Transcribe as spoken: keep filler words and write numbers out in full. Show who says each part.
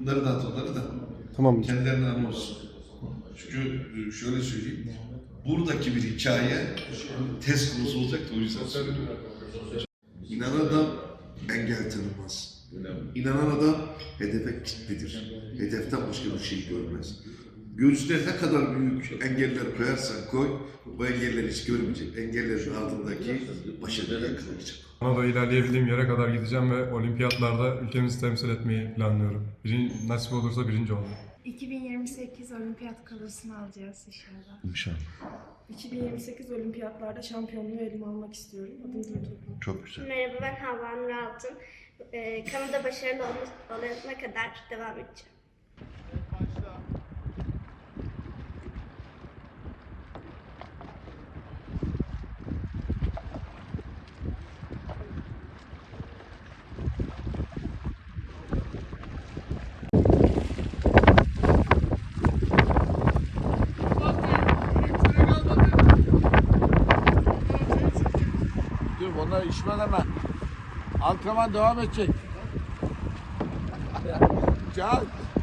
Speaker 1: Bunları dağıt onları da.
Speaker 2: Tamam.
Speaker 1: Kendilerine anı olsun. Çünkü şöyle söyleyeyim. Buradaki bir hikaye test konusu olacak da o yüzden söylüyorum. İnanan adam engel tanımaz. İnanan adam hedefe kilitlidir. Hedeften başka bir şey görmez. Göğsüne ne kadar büyük engeller koyarsan koy, bu engeller hiç görmeyecek. Engellerin ardındaki başarıya yakalayacak.
Speaker 2: Kanada ilerleyebildiğim yere kadar gideceğim ve olimpiyatlarda ülkemizi temsil etmeyi planlıyorum. Birinci, nasip olursa birinci olacağım.
Speaker 3: iki bin yirmi sekiz olimpiyat kalosunu alacağız inşallah.
Speaker 1: İnşallah.
Speaker 4: iki bin yirmi sekiz olimpiyatlarda şampiyonluğu elime almak istiyorum. Adım Gültoplu.
Speaker 1: Çok güzel.
Speaker 5: Merhaba, ben Havva Nur Altın. Ee, Kanada başarılı olma- olana kadar devam edeceğim.
Speaker 6: Dur onlar işmen hemen. Antrenman devam edecek. Çal.